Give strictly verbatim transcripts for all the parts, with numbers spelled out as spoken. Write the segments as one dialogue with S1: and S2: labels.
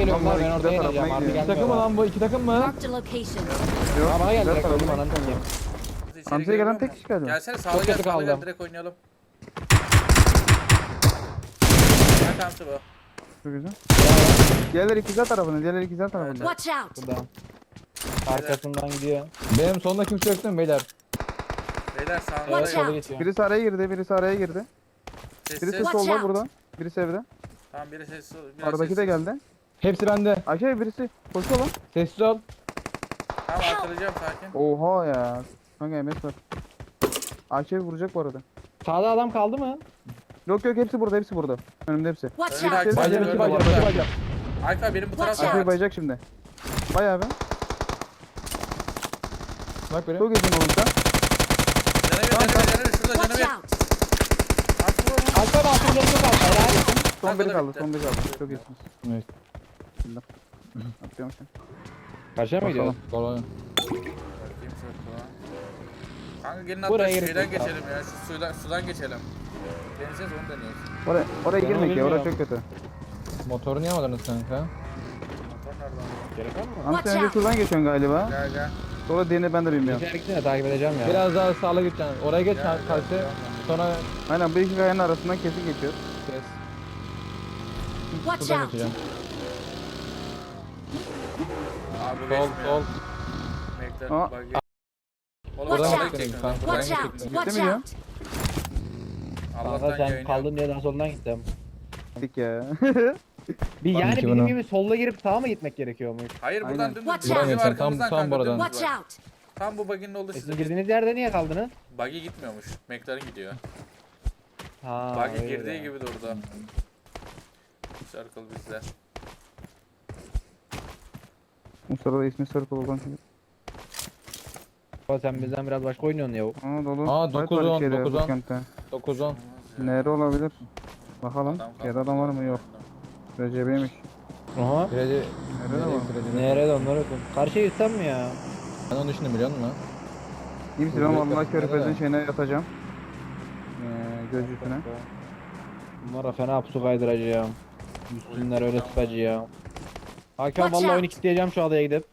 S1: geliyorum lan,
S2: Onlar
S1: ben
S2: ikisi de
S1: orada
S2: tarafına
S1: ineceğim. Harbi
S2: gidiyor.
S3: İki takım mı
S1: gelmiyorlar.
S3: lan bu? İki takım mı?
S4: Marked a location.
S2: Yok.
S1: Aa, bana geldi direkt,
S2: tarafına
S1: öldüm ananı
S2: gidiyor.
S1: satayım.
S5: İçeri
S2: Hamsiye
S5: geliyor
S2: gelen
S5: mu?
S2: tek kişi galiba.
S5: Gelsene sağda
S1: Çok
S5: gel,
S1: kötü
S5: sağda gel,
S1: kaldım.
S5: direkt oynayalım. Gel Hamsi bu.
S2: Çok güzel. Diğerleri ikizler tarafında. Diğerleri ikizler tarafında.
S4: Watch out.
S1: Buradan. Arkasından gidiyor.
S3: Benim sonunda kimse yok değil mi beyler?
S5: Beyler
S1: Evet,
S4: Watch
S5: sağında.
S1: sola
S4: out.
S1: geçiyor.
S2: Birisi araya girdi. Birisi araya girdi.
S5: Sessiz.
S2: Birisi
S4: Watch
S2: solda
S4: out.
S2: burada. Birisi evde.
S5: Tamam biri sessiz. biraz
S2: Aradaki de
S5: sessiz.
S2: geldi.
S3: Hepsi bende.
S2: Ayşe birisi koşuyor lan.
S3: Sessiz ol.
S5: Tamam arkalayacağım, sakin.
S2: Oha ya. Kanka M S var. Ayşe vuracak bu arada.
S1: Sağda adam kaldı mı?
S2: Yok yok hepsi burada hepsi burada. Önümde hepsi.
S4: Watch
S5: Önünde
S4: out.
S5: Ayşe
S3: Baycan
S5: gördüm
S3: iki baycan.
S5: orada.
S3: iki baycan.
S5: Ayka benim bu
S4: Watch
S5: tarafa
S2: Ayşe
S5: at.
S2: bayacak şimdi. Bayağı be.
S3: Bak böyle.
S2: Çok iyisin oğlum sen.
S5: Canı bir, canı bir, canı bir. Şurada canı
S4: Watch
S5: bir.
S4: out.
S5: At vur onu.
S1: Alper altın canı çok az. Helal.
S2: Son
S5: Kanka
S2: biri
S5: da
S2: kaldı.
S5: bitti.
S2: Son biri kaldı. Çok iyisiniz.
S3: Evet.
S2: Atıyorum sen.
S1: Karşıya mı gidiyoruz?
S3: Kolay.
S5: Bakayım şöyle. Kanka gelin
S1: Buraya
S5: hatta
S1: gerek
S5: şeyden
S1: yok abi.
S5: geçelim ya. Şu sudan, sudan geçelim. Deneyeceğiz, onu deniyoruz.
S2: Oraya, oraya
S1: Ben
S2: girmek ya.
S1: onu
S2: Orası çok
S1: bilmiyorum.
S2: kötü.
S3: Motoru niye almadınız kanka?
S5: Motor nerede lan?
S1: Gerek var mı?
S2: Ama
S4: Watch
S2: sen önce
S4: out.
S2: şuradan geçiyorsun galiba.
S5: Gel gel.
S2: Sonra diğerini ben de bilmiyorum.
S1: Güzel gittin de takip edeceğim ya.
S3: Biraz daha sağla gideceksin. Oraya geç
S5: Gel, gel,
S3: karşı.
S5: gel.
S3: Sonra
S2: Aynen bu iki kayanın arasından kesin geçiyor.
S3: kes.
S4: Watch
S3: Buradan
S4: out.
S3: geçeceğim.
S5: Abi
S3: Sol
S5: geçmiyor.
S3: sol.
S5: Bekle.
S2: Aa.
S5: Bak gel. Oğlum
S4: Watch
S5: sola
S4: out.
S5: gidecek
S3: Kanka,
S5: önce.
S3: buradan
S4: Watch
S3: geçecek.
S4: out.
S3: Gitti
S4: Watch
S2: mi ya?
S4: out.
S5: Allah'tan
S1: Kanka sen
S5: yayın yok.
S1: kaldığın yerden soldan gittim.
S2: Gittik ya.
S1: Bir
S3: Bak
S1: yani
S3: iki
S1: bizim
S3: bunu.
S1: gibi solla girip sağa mı gitmek gerekiyormuş?
S5: Hayır buradan
S2: Aynen.
S5: dümdüz.
S4: Watch
S5: Buggy
S4: out.
S5: var
S3: Tam-
S5: arkamızdan
S3: tam
S5: kanka,
S3: buradan.
S5: dümdüz
S4: Watch
S5: var.
S4: out.
S5: Tam bu buggy'nin olduğu
S1: E
S5: sizin.
S1: sizin girdiğiniz yerde niye kaldınız?
S5: Buggy gitmiyormuş. McLaren gidiyor.
S1: Ha.
S5: Buggy
S1: öyle
S5: girdiği
S1: ya.
S5: gibi durdu. Circle bizde.
S2: Bu sırada ismi Circle olan şey.
S1: Baba sen bizden biraz başka oynuyorsun ya.
S2: Aa dolu.
S3: Aa,
S2: Fight var
S3: dokuz on,
S2: içeride,
S3: dokuz on.
S2: bootcamp'te.
S3: dokuz on.
S2: Nere olabilir? Bakalım.
S5: Adam
S2: Yerde adam var mı? Yok. Recep'iymiş.
S1: Aha.
S3: Kredi.
S2: Nerede var?
S3: Kredi.
S1: Nerede onlar okun? Karşıya gitsem mi ya?
S3: Ben onu düşündüm biliyor musun?
S2: İyi misin? Ben
S3: Vuracak
S2: vallahi
S3: da-
S2: körfezin
S3: nerede?
S2: şeyine yatacağım. Ee, göz üstüne.
S1: Bunlara fena pusu kaydıracağım. Üstünler öyle sıkacağım. Hakan
S4: Watch
S1: vallahi
S4: out.
S1: oyunu kilitleyeceğim şu adaya gidip.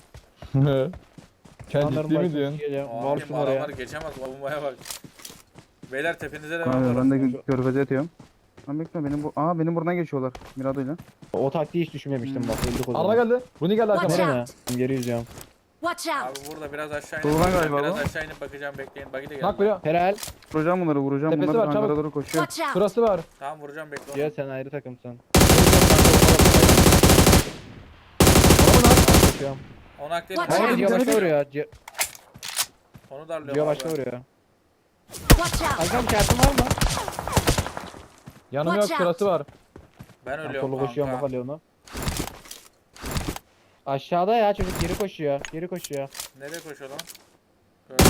S3: Sen
S1: Onların
S3: ciddi mi
S1: başına
S3: diyorsun?
S1: sikeceğim.
S5: Aa,
S1: Var
S5: kim
S1: şunu oraya.
S5: adamlar geçemez. Bombaya bak. Beyler tepenize de
S2: Abi,
S5: var.
S2: ben de körfeze yatıyorum. Lan bekle benim bu... Aa benim buradan geçiyorlar. Mirado'yla.
S1: O taktiği hiç düşünmemiştim bak. Öldük o
S3: Araba
S1: zaman.
S3: geldi. Bunu geldi
S4: Watch
S3: arkamda.
S4: out.
S1: Nereye? Geri yüzüyorum.
S4: Watch
S5: Abi
S4: out.
S5: burada biraz aşağı inip
S2: Doğudan
S5: bakacağım.
S2: galiba
S5: Biraz
S2: bu.
S5: aşağı inip bakacağım, bekleyin. Buggy de geldi.
S3: Bak böyle.
S1: Herhal.
S2: Vuracağım bunları vuracağım.
S3: Tepesi
S2: Bunlar
S3: var,
S2: hangara
S3: çabuk.
S2: doğru koşuyor.
S4: Watch out.
S3: Şurası var.
S5: Tamam vuracağım, bekle onu.
S1: Cihat sen ayrı takımsın. Koşuyorum.
S5: Onu aklayalım.
S4: Watch
S1: Hayır
S4: out.
S1: Cihat başka vuruyor. Cihat
S5: Onu darlıyorum.
S1: Cihat
S5: abi.
S1: başka vuruyor.
S4: Watch out.
S1: Hakan şartın var mı?
S3: Yanım yok,
S4: Watch out.
S3: şurası var.
S5: Ben
S1: Ben
S5: ölüyorum
S1: solu koşuyorum
S5: kanka.
S1: bak onu. Aşağıda ya çocuk geri koşuyor. Geri koşuyor.
S5: Nereye koşuyor lan? Gördüm.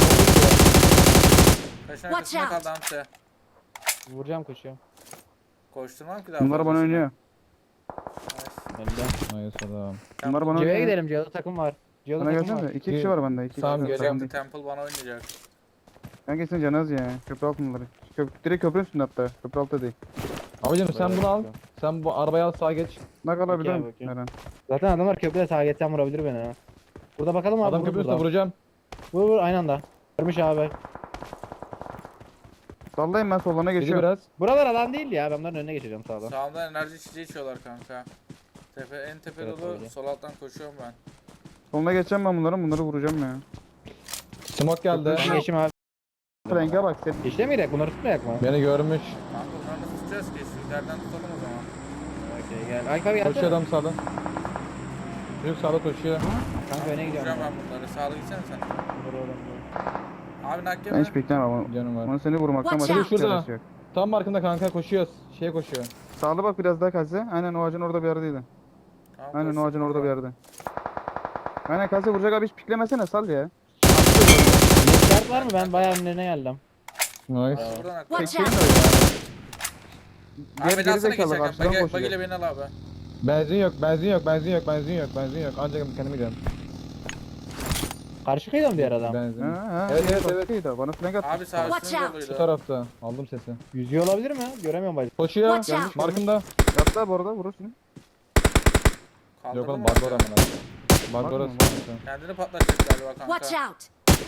S5: Kaşın
S4: Watch
S5: arkasında
S4: out.
S5: kaldı Hamsi.
S1: Vuracağım koşuyorum.
S5: Koşturmam ki daha
S2: Bunlar bana
S5: fazlasını.
S2: oynuyor.
S5: Nice.
S1: Önden.
S3: Hayır adam.
S5: Temple-
S2: Bunlar bana
S1: Cihat'a
S2: oynuyor.
S1: gidelim. Cihat'ta takım var. Cihat'ta
S2: Bana
S1: takım
S2: gelsene
S1: var.
S2: de. İki kişi var bende. İki
S3: Tamam,
S2: kişi.
S3: geleceğim.
S2: Takım
S5: Geleceğim,
S2: değil.
S5: Temple bana oynayacak.
S2: Ben kesin canaz ya. Köprü altındaları. Köp direkt köprü üstünde hatta. Köprü altı değil.
S3: Abicim sen
S1: Böyle
S3: bunu al.
S1: bakıyorum.
S3: Sen bu arabayı al sağa geç.
S2: Ne kalabilir
S1: Bakayım,
S2: mi?
S1: bakayım.
S2: Eren.
S1: Zaten adamlar köprüde sağa geçsem vurabilir beni ha. Burada bakalım abi.
S3: Adam
S1: vur
S3: köprü üstüne
S1: buradan.
S3: vuracağım.
S1: Vur vur aynı anda. Görmüş abi.
S2: Sallayayım ben sollarına
S3: Gidi
S2: geçiyorum.
S3: biraz.
S1: Buralar alan değil ya. Ben bunların önüne geçeceğim sağdan.
S5: Sağımda enerji içeceği içiyorlar kanka. Tepe, en tepe
S1: Evet,
S5: dolu,
S1: öyle.
S5: sol alttan koşuyorum ben.
S2: Soluna geçeceğim ben bunların. Bunları vuracağım ya.
S3: Smoke geldi.
S1: Ben geçeyim abi.
S2: Frank'e bak sen.
S1: Geçti miydik? Bunları tutmayak mı?
S3: Beni görmüş.
S5: Kanka bunları nasıl tutacağız ki? Sütlerden tutalım o zaman.
S1: Okey gel. Ay abi
S3: Koşuyor
S1: gelsene.
S3: adam sağda. Çocuk sağda koşuyor.
S1: Kanka öne gidiyorum.
S5: Vuracağım ben bunları. Sağlı gitsene sen.
S1: Dur oğlum dur.
S5: Abi nakke
S2: Ben
S5: mi?
S2: hiç beklemem ama.
S3: Canım var.
S2: Onu seni vurmaktan
S4: Watch
S2: başka
S4: out.
S2: bir
S3: Şurada.
S2: çaresi yok.
S3: Tam markında kanka koşuyoruz. Şeye koşuyor.
S2: Sağlı bak biraz daha kalse. Aynen o ağacın orada bir yerdeydi.
S5: Tamam,
S2: Aynen o
S5: koştum
S2: ağacın orada bir
S5: oradan.
S2: yerde. Aynen kalse vuracak abi hiç piklemesene sal ya.
S1: Start var mı? Ben bayağı önlerine geldim.
S3: Nice.
S5: Abi buradan akla.
S4: Watch
S2: Çekeyim
S4: out.
S2: de ya.
S5: Abi
S2: Geri
S5: beni
S2: geri
S5: alsana
S2: zekalı
S5: geçerken.
S2: karşıdan
S5: Bagi,
S2: koşacak.
S5: bagiyle beni al abi.
S3: Benzin yok, benzin yok, benzin yok, benzin yok, benzin yok. Ancak kendime gidiyorum.
S1: Karşı kıyıda mı diğer adam?
S3: Benzin.
S2: Ha, ha,
S3: Evet, evet,
S2: bak,
S3: evet.
S2: iyiydi. Bana flank attı.
S5: Abi sağ
S4: Watch
S5: üstünün
S4: out.
S3: Bu
S5: yoluydu.
S3: tarafta. Aldım sesi.
S1: Yüzüyor olabilir mi? Göremiyorum bacım.
S3: Koşuyor.
S4: Watch out.
S3: Markında.
S2: Yattı abi orada vurursun.
S5: Kaldırdın
S3: Yok oğlum
S5: mı?
S3: bug var amına. Bug
S2: Bug
S3: orası
S2: mı?
S3: kanka.
S5: Kendini patlatacak galiba kanka.
S4: Watch out!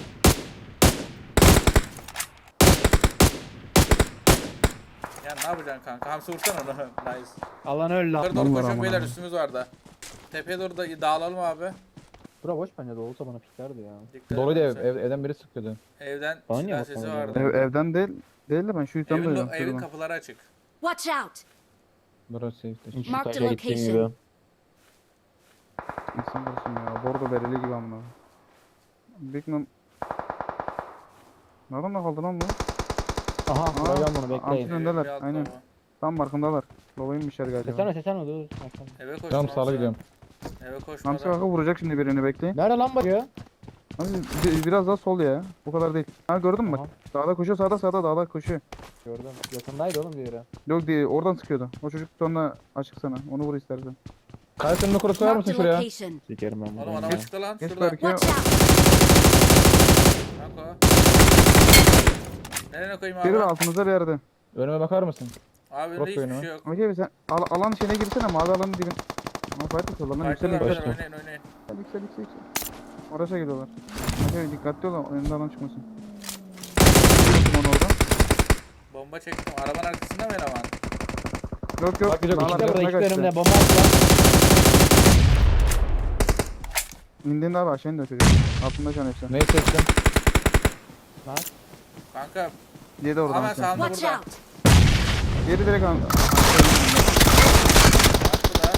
S5: Ya ne yapacaksın kanka? Hamsi vursana onu. Nice.
S1: Alan öldü.
S5: Yukarı doğru
S2: Vallahi
S5: koşun
S2: aman
S5: beyler,
S2: aman.
S5: üstümüz var da. Tepeye doğru da dağılalım abi.
S1: Bura boş bence de olsa bana piklerdi ya.
S5: Dikkat
S3: Doluydu
S5: edin.
S3: ev, ev, evden biri sıkıyordu.
S5: Evden
S1: Bana
S5: silah
S1: niye
S5: sesi
S1: bakmadın
S5: vardı.
S1: ya?
S2: Ev, evden değil. Değil de ben şu yüzden
S5: Evin,
S2: duydum.
S5: evin
S2: şuradan.
S5: kapıları açık.
S4: Watch out!
S3: Burası safe.
S1: Şu
S4: Mark the
S1: taşa gittiğim
S4: location.
S1: gibi.
S2: İnsan olsun ya. Bordo bereli gibi amına. Big Mom. Nereden kaldı lan bu?
S1: Aha
S2: Aa,
S1: vuracağım bunu
S2: Amcın
S1: bekleyin.
S5: Evin
S2: öndeler,
S5: bir alt
S2: aynen.
S5: tarafı.
S2: Tam markındalar. Lobaymışlar galiba.
S1: Sesene sesene dur.
S5: Eve koş.
S3: Tamam sağla gidiyorum.
S5: Eve
S2: Hamsi
S5: koşmadan.
S2: kanka vuracak şimdi birini bekleyin.
S1: Nerede lan bakıyor?
S2: Hamsi bi- biraz daha sol ya. Bu kadar değil. Ha gördün mü bak.
S1: Tamam.
S2: Sağda koşuyor, sağda sağda dağda koşuyor.
S1: Gördüm. Yakındaydı oğlum diğeri.
S2: Yok değil, oradan sıkıyordu. O çocuk sonra açık sana. Onu vur istersen.
S3: Kayısının kurusu var
S4: Mark
S3: mısın
S4: the
S3: şuraya?
S4: location.
S1: Sikerim ben
S5: Oğlum
S1: bunu.
S5: adama çıktı lan.
S2: Geç
S5: Şurada.
S2: Berke.
S4: Watch out!
S5: Kanka. Nereye koyayım
S2: Geri
S5: abi?
S2: altımızda bir yerde.
S3: Önüme bakar mısın?
S5: Abi
S3: Bak
S5: önünde hiçbir
S3: oyunu.
S5: şey yok.
S2: Okey sen al, alan içine girsene, mavi alanın dibin. Ama fight atıyorlar lan, yüksel
S5: Farklılar
S2: yüksel.
S5: beyler, oynayın oynayın.
S2: Yüksel yüksel yüksel. Oraya gidiyorlar. Okey dikkatli ol, önünde alan çıkmasın. Onu oradan.
S5: Bomba çektim. Arabanın arkasında mı eleman?
S2: Yok yok.
S3: Bak, yok,
S2: dağlar
S1: İşte
S3: Arkadaşlar,
S1: burada
S2: arkasına
S1: iki
S2: kaçtı.
S1: önümde bomba atıyor.
S2: İndiğinde abi aşağı indi o çocuk. Altında can hepsi.
S3: Neyi seçtim?
S5: Kanka
S2: Yedi oradan.
S5: hemen
S2: aşağı.
S5: sağında
S4: Watch
S5: burada.
S4: out!
S2: Geri direkt al.
S5: Bak burada.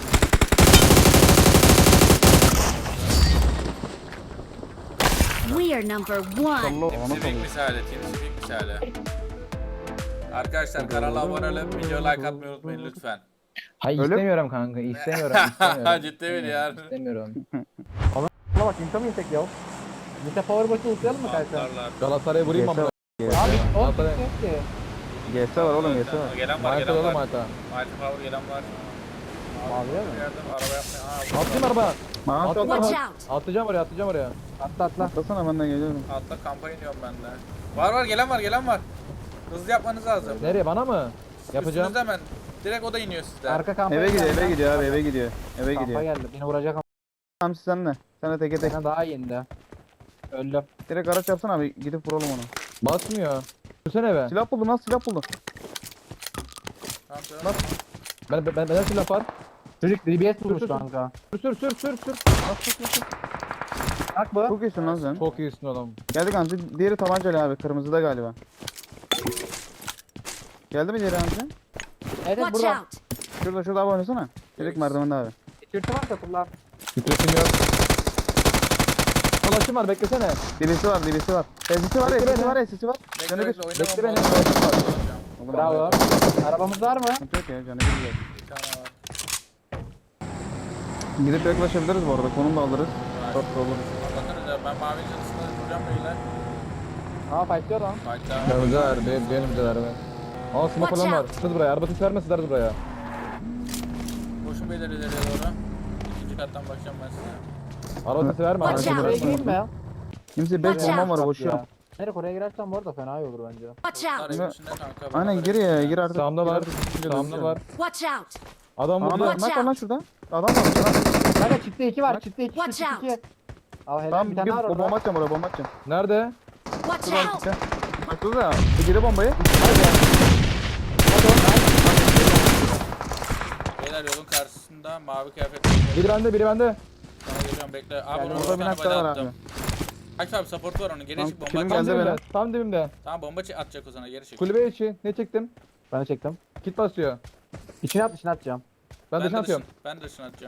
S4: We are number one.
S2: Allah
S5: Team
S2: ona
S5: Speak
S2: kalıyor.
S5: misali. Team Speak misali. Arkadaşlar kanala abone olup video like atmayı unutmayın lütfen.
S3: Hayır
S2: Öyle mi?
S3: istemiyorum kanka istemiyorum istemiyorum.
S5: Ciddi mi ya?
S3: İstemiyorum.
S1: Buna bak inta mı insek ya? Nite power boşu uzayalım mı kanka?
S5: Atlarlar.
S3: Galatasaray'a vurayım mı?
S2: G S
S1: Abi o
S3: Galatasaray.
S1: yok ki.
S2: G S var oğlum, G S var.
S5: Gelen var,
S3: Mayta
S5: gelen
S3: oğlum
S5: var.
S3: mayta.
S5: Mighty Power gelen var.
S1: Maviye mi?
S5: Yardım, araba yapmaya. Aa,
S3: Atlayayım araba.
S2: Maaş
S3: Atla.
S2: atla.
S4: Watch out!
S3: Atlayacağım oraya atlayacağım oraya.
S1: Atla atla.
S2: Atlasana, ben de geliyorum.
S5: altta kampa iniyorum ben de. Var var, gelen var, gelen var. Hızlı yapmanız lazım.
S3: Nereye bana mı? Yapacağım.
S5: Üstünüzde hemen. Direkt o da iniyor sizden.
S1: Arka kampaya
S2: Eve gidiyor,
S1: geldi.
S2: eve gidiyor abi, eve gidiyor. Eve
S1: Kampa
S2: gidiyor.
S1: geldi. Beni vuracak ama
S2: Hamsi senle. Sen de teke tek.
S1: bana daha iyi indi. Öldüm.
S2: Direkt araç yapsana abi, gidip vuralım onu.
S3: Basmıyor. Sürsene eve.
S2: Silah buldum lan, silah buldum.
S5: Tamam, tamam.
S3: Ben ben benden silah var.
S1: Çocuk D B S vurmuş
S3: Sür, sür,
S1: kanka.
S3: Sür sür sür sür sür.
S1: Bak bu.
S2: Çok iyisin lan sen.
S3: Çok iyisin oğlum.
S2: Geldik Hamsi. Diğeri tabancalı abi, kırmızıda galiba. Geldi mi diğeri Hamsi?
S1: Evet evet,
S4: Watch
S1: burada.
S4: out!
S2: Şurada şurada abi oynasana. Direkt merdivende abi.
S1: Tişörtü varsa kullan.
S3: Titresim yok. Ulaşım var beklesene.
S2: Dibisi var, dibisi var. Sesi var,
S3: Bekle
S2: sesi
S3: beni.
S2: var, sesi var.
S5: Bekle
S2: Canı bir.
S5: bekle, oynamam.
S3: Bekle beni.
S5: bozulacağım.
S2: Oğlum,
S1: Bravo. Arabamız var mı?
S2: Sıkıntı yok ya, canı bir güzel.
S5: Bir tane var.
S2: Gidip yaklaşabiliriz bu arada, konum da alırız. Çok da olur.
S5: Anlatırız ya, ben mavi çatısında duracağım beyler.
S1: Aa fightlıyor lan.
S5: Hatta
S3: Ya güzel benim benim güzel be. Aa smoke
S4: Watch
S3: falan var.
S4: out.
S3: Siz buraya. Araba sis vermesinler buraya.
S5: koşun beyler ileriye doğru. İkinci kattan bakacağım ben size.
S3: Araba sesi verme.
S4: Watch
S3: Araba
S4: out.
S1: Oraya
S3: sesi verme.
S1: gireyim mi?
S2: Kimse beş
S4: Watch
S2: bombam var,
S1: Bak
S2: boşuyorum.
S1: ya. Nereye oraya girersen bu arada fena iyi olur bence.
S4: Watch out!
S5: Bunlar evin içinde kanka.
S2: Aynen
S5: beraber
S2: gir ya,
S5: içinde.
S2: gir artık.
S3: Sağımda
S2: Gir
S3: var.
S2: artık, gir
S3: Sağımda
S2: artık.
S3: var.
S4: Watch out!
S3: Adam
S2: Aa,
S3: vurdu.
S2: bak,
S4: Watch
S2: bak var lan
S4: out.
S2: şurada. Adam var. Şurada.
S1: Kanka çifte iki var. Çifte iki.
S4: Watch
S1: Çifte
S4: out.
S1: iki. Al helal
S2: Tamam
S1: bir
S2: bir
S1: tane var
S2: bomba
S1: orada.
S2: atacağım oraya, bomba atacağım.
S3: Nerede?
S4: Watch
S2: Şuradan
S4: out!
S2: gel. Bak şurada. Bir geri bombayı.
S5: Beyler yolun karşısında mavi kıyafetli.
S3: Biri bende biri bende.
S5: Sana geliyorum bekle. Abi
S1: Geldi.
S5: bunu
S2: Orada
S5: bir
S2: bir
S5: tane
S2: nakta var
S5: body
S2: abi.
S5: attım. Aç abi support var onun. Geri
S2: Tamam,
S5: çık bomba
S2: kilim
S5: at.
S3: Tam
S2: geldi
S3: dibimde.
S2: benim.
S3: Tam dibimde.
S5: Tamam bomba çek- atacak o sana, geri çık.
S3: Kulübe içi. Ne çektim?
S1: Ben de çektim.
S3: Kit basıyor.
S1: İçine at içine atacağım.
S3: Ben dışına
S5: de
S3: atıyorum.
S5: dışın- Ben de dışına atacağım.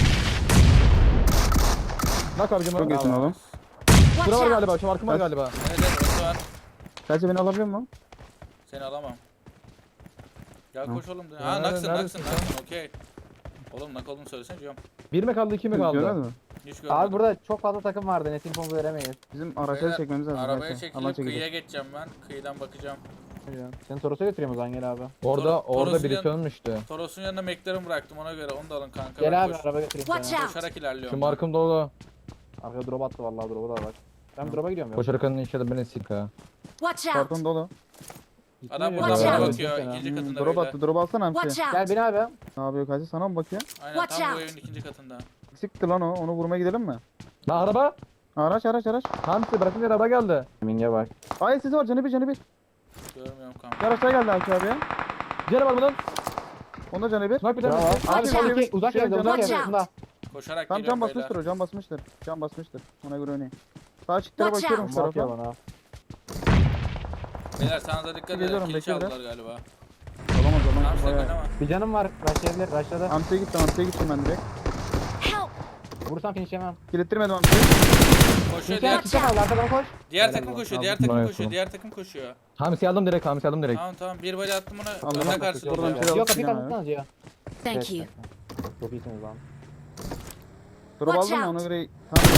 S3: Bak abicim.
S2: Çok iyisin oğlum.
S4: Watch
S3: Şura var
S4: out!
S3: galiba. Şu markım var galiba.
S5: Evet evet orası var.
S2: Sadece beni alabiliyor musun?
S5: Seni alamam. Gel
S2: Tamam.
S5: koş oğlum.
S3: Nerede-
S5: Ha naksın naksın
S3: neredesin sen?
S5: naksın okey. Oğlum nak olduğunu söylesene diyorum.
S3: Bir mi kaldı iki mi kaldı?
S2: Görmedin mi?
S5: Hiç görmedim.
S1: Abi burada çok fazla takım vardı. Net infomuzu veremeyiz.
S2: Bizim araçları
S5: Beyler,
S2: çekmemiz lazım.
S5: Arabaya
S2: belki.
S5: çekilip
S2: Allah
S5: kıyıya
S2: çekecek.
S5: geçeceğim ben. Kıyıdan bakacağım.
S1: Seni Toros'a götüreyim o zaman gel abi.
S3: Orada
S5: Tor-
S3: orada
S5: Toros'un
S3: birisi
S5: yan-
S3: ölmüştü.
S5: Toros'un yanına McLaren bıraktım, ona göre onu da alın kanka.
S1: Gel
S5: Ben
S1: abi
S5: koş-
S1: araba götüreyim
S4: Watch
S1: seni.
S4: out!
S5: Koşarak ilerliyorum.
S3: Şu
S5: ben.
S3: markım dolu.
S1: Arkaya drop attı vallahi drop'a da bak. Ben drop'a gidiyorum ya.
S3: Koşarken inşallah beni sik ha.
S4: Watch out!
S2: Karton dolu.
S5: Adam
S1: mi?
S5: buradan
S4: Watch
S5: bana
S4: out.
S5: bakıyor.
S1: Watch
S5: İkinci
S2: Hmm,
S5: katında
S2: drop
S5: beyler.
S2: attı. Drop alsana Hamsi.
S4: Watch
S1: Gel
S4: out!
S1: bin abi.
S2: Ne yapıyor Kazi? Sana mı bakıyor?
S5: Aynen
S4: Watch
S5: tam bu
S4: out.
S5: evin ikinci katında.
S2: Siktir lan o. Onu vurmaya gidelim mi?
S3: Lan araba.
S2: Araç araç araç.
S3: Hamsi bırakın araba geldi.
S1: Minge bak.
S2: Ay sesi var canı bir canı bir.
S5: Görmüyorum kanka.
S2: Bir araçlar geldi Aki abi ya.
S3: Diğer var bunun.
S2: Onda canı bir.
S3: Sniper
S1: Bravo.
S3: tane.
S1: Abi
S4: Watch
S1: sen
S4: out.
S1: iki uzak
S2: Şey,
S1: yerde uzak
S4: watch
S1: yerde.
S4: out.
S1: Bunda.
S5: Koşarak
S2: Tam
S5: geliyorum
S2: can
S5: beyler.
S2: basmıştır o. Can basmıştır. Can basmıştır. Ona göre oynayın. Sağ çıktıra
S4: Watch
S2: bakıyorum
S4: out.
S2: şu
S1: Bak ya
S2: tarafa.
S1: bana.
S5: Beyler sana da dikkat edin.
S2: Geliyorum,
S5: Kill
S2: bekle
S5: çaldılar galiba.
S2: Olamaz
S5: Tamam
S2: olamaz.
S5: sen
S2: Bayağı.
S5: oynama.
S1: Bir canım var. Başlayabilir. Başladı.
S2: Hamsi'ye gittim. Hamsi'ye gittim ben direkt.
S4: Help!
S1: Vursam finish yemem.
S2: Kilittirmedim Hamsi'yi.
S5: Koşuyor
S1: Finish
S5: diğer,
S1: yemem. Çıkam al. Arkadan koş.
S5: diğer
S1: Helal
S5: takım
S1: olsun.
S5: koşuyor. Diğer
S3: Aldım,
S5: takım
S3: bayağı
S5: koşuyor.
S3: solum.
S5: Diğer takım koşuyor.
S3: Hamsi aldım direkt Hamsi aldım direkt.
S5: Tamam tamam. Bir body attım ona.
S2: Aldım,
S5: Önüne
S2: aldım.
S5: karşılıyor.
S2: Oradan
S5: ya.
S2: bir şey
S1: Yok kapıyı
S2: Aldım,
S1: kapatsanız ya.
S4: Thank you.
S1: Çok iyisiniz lan.
S2: Drop
S4: Watch
S2: aldım mı
S4: out.
S2: ona göre. Tamam.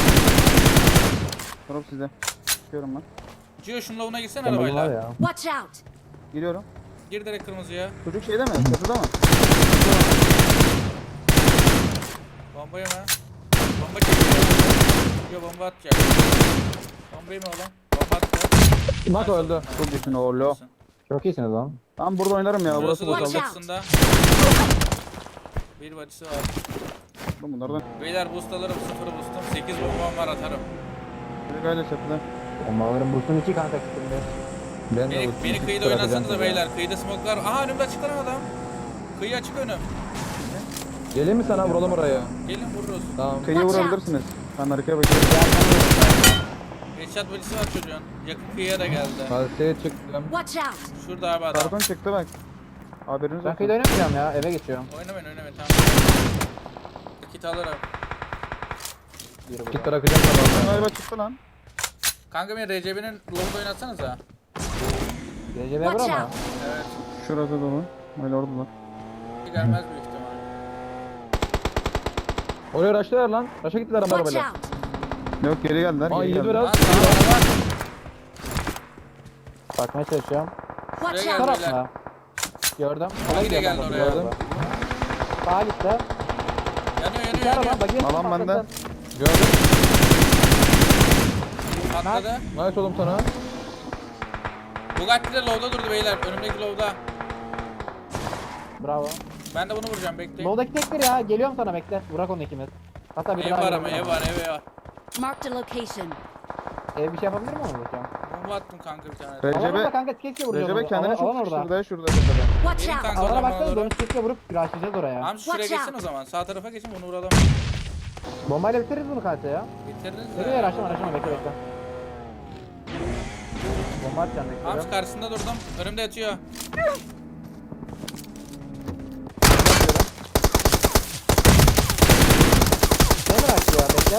S2: Drop size. Çıkıyorum ben.
S5: Gio şunun lavuna gitsene
S1: Sen var
S5: arabayla.
S1: ya.
S4: Watch out!
S2: Giriyorum.
S5: Gir direkt kırmızıya.
S2: Çocuk şeyde mi? Çatıda mı?
S5: Bomba yeme. Bomba çekiyor. Gio bomba atacak. Bomba yeme oğlum. Bomba atacak.
S3: Mak öldü.
S2: Çok iyisin oğlu.
S1: Çok iyisiniz lan.
S2: Ben burada oynarım ya.
S5: Burası
S2: Burası
S5: da
S2: boşaldı.
S4: Watch out.
S5: kapısında. Bir body'si var.
S2: Bunlardan.
S5: Beyler boost alırım. Sıfır boostum. sekiz bombam var atarım.
S2: Biri öyle çatıda.
S1: Bombaların bursun iki kanka şimdi.
S3: Ben de
S5: Beni,
S3: ultim
S5: beni
S3: sıfır
S5: kıyıda
S3: atacağım
S5: oynasanıza
S3: size.
S5: beyler. Kıyıda smoke'lar. Aha önümde açık lan adam. Kıyı açık önüm.
S3: Geleyim mi sana vuralım oraya?
S5: Gelin vururuz.
S3: Tamam.
S2: Kıyıya
S4: Watch out.
S2: vurabilirsiniz. Ben arkaya bakıyorum.
S5: Headshot body'si var çocuğun. Yakın kıyıya da geldi.
S3: Kalseye çıktım.
S4: Watch out!
S5: Şurada abi adam.
S2: Karton çıktı bak. Haberiniz
S1: Ben
S2: olsun.
S1: kıyıda oynamayacağım ya. Eve geçiyorum.
S5: Oynamayın oynamayın tamam. Kit alırım.
S1: Yürü
S3: Git
S1: buradan.
S3: bırakacağım sana.
S2: Galiba çıktı lan.
S5: Kanka beni R C B'nin lobda oynatsanıza.
S1: Recep
S4: Watch
S1: Ebru ama.
S4: out!
S5: Evet.
S2: Şurada dolu. Öyle oradalar.
S5: Gelmez büyük ihtimal.
S3: Oraya raşlar lan. Raşa gittiler ama
S4: Watch
S3: arabayla.
S4: out!
S2: Yok geri geldiler.
S3: Aa
S2: Geri
S3: yedi
S2: geldiler.
S3: biraz.
S5: Lan sağ var.
S1: Bakmaya çalışıyorum.
S4: Watch
S5: Şuraya
S4: out!
S5: gel.
S1: Taraf mı? Gördüm.
S5: Hangi de geldi oraya?
S1: Gördüm. Sağa gitti.
S5: Yanıyor
S1: İki
S5: yanıyor
S1: araba.
S5: yanıyor.
S1: Bakayım.
S2: Alan bende.
S3: Gördüm.
S5: Patladı.
S3: Nice oğlum sana.
S5: Bugatti de lobda durdu beyler. Önümdeki lobda.
S1: Bravo.
S5: Ben de bunu vuracağım bekleyin.
S1: Loldaki tektir ya. Geliyorum sana bekle. Burak onu ikimiz. Hatta bir
S5: Ev
S1: daha
S5: var
S1: geliyorum.
S5: ama ev var ev var.
S4: Marked a location.
S1: Ev bir şey yapabilir mi onu bakayım?
S5: Bomba attım kanka bir tane.
S2: Recep-
S1: Alan orada kanka keşke vuracağız.
S2: Recep
S1: onu.
S2: kendine
S1: Alan-
S2: çok
S1: alan orada.
S2: şurada şurada şurada.
S4: Watch
S5: Benim
S4: out!
S5: kanka o
S1: Alana
S5: zaman
S1: baksana
S5: doğru.
S1: dönüş keşke vurup rushlayacağız oraya.
S5: Hamsi şuraya
S4: Watch
S5: geçsin
S4: out.
S5: o zaman. Sağ tarafa geçin bunu vuralım.
S1: Bombayla bitiririz bunu kanka ya.
S5: Bitiririz
S1: Nereye
S5: de.
S1: rushlama rushlama bekle bekle. Bomba atacağım bekle.
S5: Hamsi karşısında durdum. Önümde yatıyor.
S1: Ne mi rush ya bekle.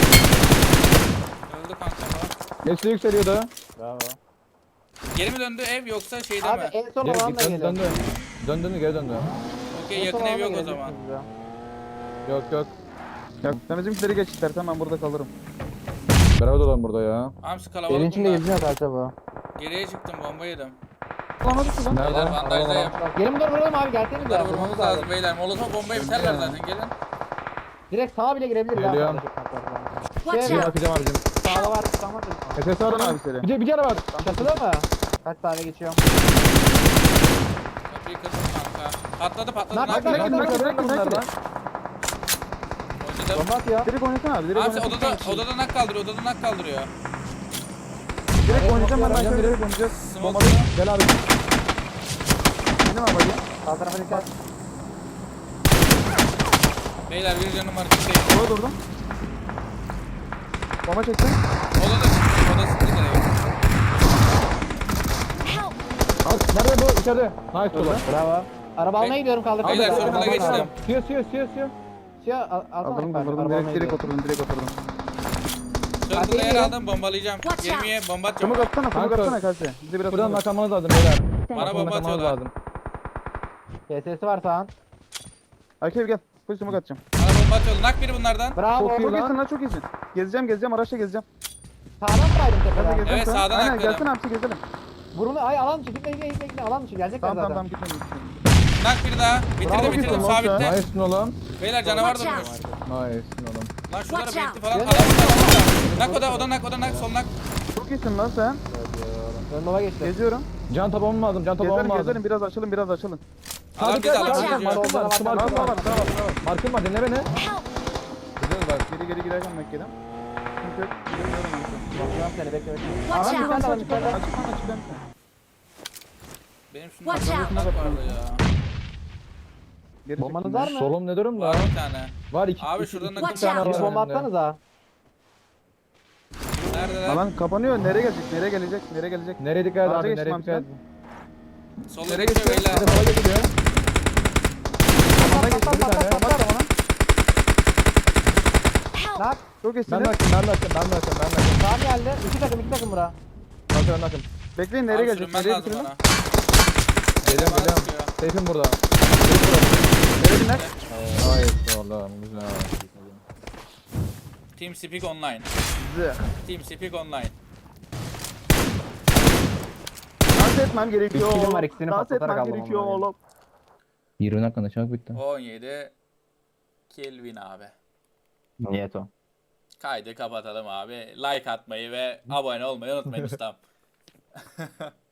S5: Öldü kanka bu.
S3: Geçti yükseliyordu.
S1: Bravo.
S5: Geri mi döndü ev yoksa şeyde
S1: Abi
S5: mi?
S1: en son
S3: Geri
S1: alanla
S3: git dön,
S1: geliyor.
S3: döndü. Döndü geri döndü.
S5: Okey
S1: En son
S5: yakın ev
S1: alana
S5: yok o
S1: geleceksiniz
S5: zaman.
S1: ya.
S3: Yok yok.
S2: Ya sen bizimkileri geç istersen ben burada kalırım.
S3: Beraber olalım burada ya.
S5: Hamsi
S1: Evin
S5: kalabalık
S1: içinde
S5: bunlar.
S1: geziniyor kanka bu.
S5: Geriye çıktım bomba yedim.
S2: Bulamadık ki lan.
S3: Nerede?
S5: Beyler bandajdayım.
S1: Gelin dur vuralım abi gelseniz
S5: Bunları
S1: ya.
S5: vurmamız
S1: Vurmamız
S5: lazım
S1: lazım.
S5: beyler. Molotof bombaya biterler zaten gelin.
S1: Direkt sağa bile girebilir ya.
S3: Geliyorum.
S4: Watch
S1: Şey
S3: Bir
S1: var.
S4: out!
S3: bakacağım abicim.
S1: Sağda var. Tamam.
S3: S S var
S2: Abi
S3: lan.
S2: seni.
S3: Bir de bir kere var.
S1: Çatıda mı? Kaç tane geçiyorum?
S5: Kapıyı kırdım kanka. Patladı patladı.
S1: Nak,
S5: Nak
S1: nak,
S5: nak
S1: nak,
S5: nak.
S1: nak.
S2: Direkt direkt
S3: Bunlar
S2: direkt.
S3: lan.
S5: Oynadım.
S1: Bomba at ya.
S2: Direkt oynasana abi. Direkt
S5: Hamsi
S2: oynasana.
S5: odada, odada nak kaldırıyor. Odada nak kaldırıyor.
S2: Direkt oynayacağım ben.
S3: Oynayacağım,
S2: Ben
S3: direkt
S2: direkt oynayacağız.
S5: Smoke.
S3: Gel abi.
S2: Benim abi.
S1: Sağ tarafa dikkat.
S5: Beyler bir canım var. Bir şey.
S2: Orada durdum. Bomba çektim.
S5: Odada çıktı. Odada çıktı direkt.
S4: Help!
S3: Al, nerede bu? İçeride. Nice oğlum.
S1: Bravo. Araba almaya gidiyorum kaldır.
S5: Beyler,
S1: kaldır.
S5: circle'a
S1: Kaldır,
S5: geçtim.
S1: kaldır.
S3: Suya suya suya suya.
S1: Suya al, alsana.
S2: Kaldırdım
S1: bak,
S2: kaldırdım.
S1: araba
S2: Direkt
S1: almaya
S2: direkt
S1: gidiyorum.
S2: oturdum. Direkt oturdum.
S5: Circle'da yer
S1: geliyor.
S5: aldım bombalayacağım.
S4: Watch out.
S5: Gemiye bomba atacağım.
S2: Çabuk atsana. Çabuk
S3: Kanka.
S2: atsana kalse. Bize biraz
S3: Buradan
S2: çabuk.
S3: naklamanız lazım beyler.
S5: Bana
S3: Buradan
S5: bomba
S3: naklamanız
S5: atıyorlar.
S3: lazım.
S1: K S'si var sağın.
S2: Akif gel. Koş smoke atacağım.
S5: Bana bomba atıyorlar. Nak biri bunlardan.
S1: Bravo.
S2: Çok
S1: Çok
S2: iyisin lan çok iyisin. Gezeceğim gezeceğim araçla gezeceğim.
S1: Sağdan mı kaydın
S2: Gaza
S1: tepeden?
S2: gezeceğim
S5: Evet,
S2: sana.
S5: sağdan
S2: Aynen
S5: atladım.
S2: gelsene hapsi gezelim.
S1: Burunu ay alan dışı gitme gitme gitme gitme alan dışı gelecekler
S2: Tamam tamam
S1: zaten.
S2: tamam gitmedim. gitmedim.
S5: Nak biri daha. Bitirdim
S1: Bravo,
S5: bitirdim.
S2: gittim lan
S5: Sabitle.
S3: Nice'sin oğlum.
S5: Beyler canavar
S4: Watch
S5: durmuş.
S3: Nice'sin oğlum.
S5: Lan şuralara
S4: Watch
S5: bekti
S4: out.
S5: falan.
S1: Gel,
S5: Adam
S1: gel.
S5: burada. Nak o da o da nak o da nak sol nak.
S2: Çok iyisin lan sen.
S1: Ön baba geçti.
S2: Geziyorum.
S3: Can tapamam lazım. Can
S2: Gezelim
S3: tapamam lazım.
S2: gezelim biraz açılın biraz açılın.
S5: Adam
S3: Hadi
S5: dedi
S3: gel.
S5: adam
S4: Watch
S3: Markım
S4: out.
S5: gidiyor.
S3: var. Markım var.
S2: Markım var,
S3: Markım var.
S2: markım var.
S3: Markım var. Markım var. Dinle beni.
S2: Gidiyoruz bak geri geri girerken Mekke'den. Sıkıntı yok. Gidiyorum ben.
S1: Bakıyorum seni bekle bekle.
S4: Watch
S1: Aha,
S4: out.
S1: bir tane var, bir tane var.
S2: Açık lan açık lan.
S5: Benim şunun
S4: Watch out.
S5: bak vardı ya.
S2: Geri
S1: Bombanız
S2: çektim
S1: var
S2: ben.
S1: mı?
S3: Solum ne durumda?
S5: Var bir tane.
S3: Var iki.
S5: Abi
S3: iki-
S5: şuradan
S3: iki
S4: Watch
S3: tane
S4: out.
S3: var
S1: Bir bomba
S3: önümde.
S1: atsanız ha.
S5: Neredeler?
S2: Lan kapanıyor. Nereye gelecek? Nereye gelecek? Nereye gelecek?
S3: Nereye dikkat et
S2: Ağaca
S3: abi?
S2: geçtim
S3: Nereye
S2: abi
S3: dikkat et?
S5: Sola
S2: Nereye
S5: geçiyor
S2: geçiyor?
S5: beyler.
S3: Bir de sola geçiyor.
S2: Bana geçti bir tane. Bak da bana.
S4: Help!
S1: Nak.
S2: Çok
S3: Ben
S2: iyisiniz.
S3: de açtım. Ben de açtım. Ben de açtım. Ben de açtım.
S1: Sağ geldi. İki takım iki takım bura.
S3: Bakın bakın.
S2: Bekleyin nereye
S5: Abi
S2: gelecek?
S5: sürünmen
S2: Nereye
S5: lazım
S2: bitirelim?
S5: bana.
S3: Geliyorum
S5: Bana
S3: geliyorum.
S5: sıkıyor.
S3: Seyfim burada.
S2: Nereye biner?
S3: Hayır. Vallahi güzel.
S5: Team Speak Online.
S2: Zı.
S5: Team Speak Online.
S2: Dans etmem gerekiyor
S1: Bir kilim
S2: oğlum.
S1: var, ikisini
S2: Dans
S1: patlatarak
S2: etmem
S1: aldım
S2: gerekiyor
S1: onları.
S2: oğlum.
S3: yirmi dakikada çabuk bitti.
S5: on yedi Kelvin abi.
S1: Niyet o.
S5: Kaydı kapatalım abi. Like atmayı ve abone olmayı unutmayın ustam.